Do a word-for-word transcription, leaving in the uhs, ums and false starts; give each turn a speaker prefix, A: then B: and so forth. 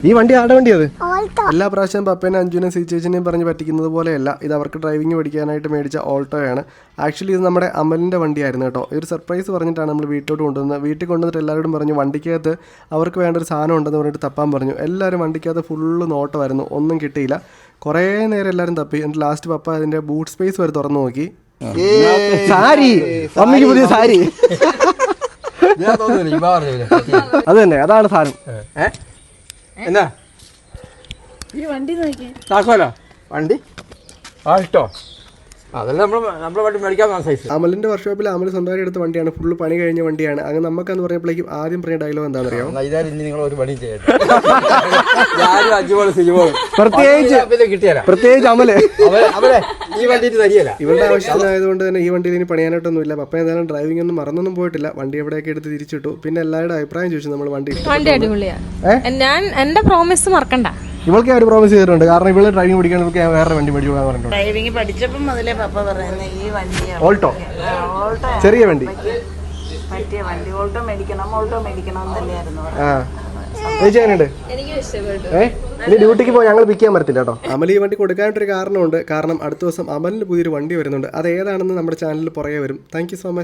A: ഈ വണ്ടി ആരുടെ വണ്ടി അത്? എല്ലാ പ്രാവശ്യം പപ്പേനെ അഞ്ജുവിനെയും സി ചേച്ചിനെയും പറഞ്ഞ് പറ്റിക്കുന്നത് പോലെയല്ല, ഇത് അവർക്ക് ഡ്രൈവിംഗ് പഠിക്കാനായിട്ട് മേടിച്ച ഓൾട്ടോയാണ്. ആക്ച്വലി ഇത് നമ്മുടെ അമലിൻ്റെ വണ്ടിയായിരുന്നു കേട്ടോ. ഒരു സർപ്രൈസ് പറഞ്ഞിട്ടാണ് നമ്മൾ വീട്ടിലോട്ട് കൊണ്ടുവന്നത്. വീട്ടിൽ കൊണ്ടുവന്നിട്ട് എല്ലാവരോടും പറഞ്ഞു വണ്ടിക്കകത്ത് അവർക്ക് വേണ്ട ഒരു സാധനം ഉണ്ടെന്ന് പറഞ്ഞിട്ട് തപ്പാൻ പറഞ്ഞു. എല്ലാവരും വണ്ടിക്കകത്ത് ഫുള്ള് നോട്ടമായിരുന്നു, ഒന്നും കിട്ടിയില്ല. കുറേ നേരം എല്ലാവരും തപ്പി. എന്നിട്ട് ലാസ്റ്റ് പപ്പ അതിൻ്റെ ബൂട്ട് സ്പേസ് വരെ തുറന്നു നോക്കി. സാരി, അമ്മയ്ക്ക് പുതിയ സാരി. അത് തന്നെ, അതാണ് സാധനം.
B: എന്നാ
C: ഈ വണ്ടി നോക്കി
B: താക്കോലോ വണ്ടി ആൾട്ടോ അതെല്ലാം നമ്മൾ നമ്മളെ വണ്ടി മേടിക്കാൻ സൈസ്.
A: അമലിന്റെ വർക്ക്ഷോപ്പിൽ അമൽ സ്വന്തമായിട്ട് എടുത്ത വണ്ടിയാണ്, ഫുള്ള് പണി കഴിഞ്ഞ വണ്ടിയാണ്. അങ്ങനെ നമുക്കെന്ന് പറഞ്ഞപ്പോഴേക്കും ആദ്യം പറഞ്ഞ ഡയലോഗ് എന്താണെന്ന് അറിയാം?
B: ഇനി നിങ്ങൾ ഒരു പണി ചെയ്യട്ടെ,
A: പ്രത്യേകിച്ച്
B: കിട്ടിയാലോ,
A: പ്രത്യേകിച്ച് അമല്
B: അവരെ ഈ വണ്ടി തരികയില്ല.
A: ഇവരുടെ ആവശ്യത്തിനായതുകൊണ്ട് തന്നെ ഈ വണ്ടിയിൽ ഇനി പണിയാനായിട്ടൊന്നുമില്ല. പപ്പ എന്തായാലും ഡ്രൈവിംഗ് ഒന്നും മറന്നൊന്നും പോയിട്ടില്ല. വണ്ടി എവിടെയൊക്കെ എടുത്ത് തിരിച്ചിട്ടു. പിന്നെ എല്ലാവരുടെ അഭിപ്രായം ചോദിച്ചു നമ്മൾ വണ്ടി
C: വണ്ടി അടിപൊളിയാണ്. ഞാൻ എന്റെ പ്രോമിസ് മറക്കണ്ട.
A: ഇവൾക്ക് ഒരു പ്രോമിസ് ചെയ്തിട്ടുണ്ട്, കാരണം ഇവള് ഡ്രൈവിംഗ് പഠിക്കാൻ ഇവൾക്ക് വേറെ വണ്ടി മേടിച്ചു കൊടുക്കാൻ പറഞ്ഞിട്ടുണ്ട്.
D: ഡ്രൈവിംഗ് പഠിച്ചപ്പം മുതലേ പപ്പ പറയുന്നത് ഈ വണ്ടിയാണ്
A: ഓൾട്ടോ,
D: ഓൾട്ടോ
A: ചെറിയ വണ്ടി,
D: പറ്റിയ വണ്ടി. ഓൾട്ടോ മേടിക്കണം ഓൾട്ടോ മേടിക്കണം എന്നല്ലായിരുന്നു.
A: ആ ചേച്ചി എങ്ങനെയുണ്ട്? ഏഹ് ഇനി ഡ്യൂട്ടിക്ക് പോയി ഞങ്ങൾ പിക്ക് ചെയ്യാൻ പറ്റത്തില്ല കേട്ടോ. അമൽ ഈ വണ്ടി കൊടുക്കാനായിട്ടൊരു കാരണമുണ്ട്. കാരണം അടുത്ത ദിവസം അമലിന് പുതിയൊരു വണ്ടി വരുന്നുണ്ട്. അത് ഏതാണെന്ന് നമ്മുടെ ചാനലിൽ പുറകെ വരും. Thank you so much.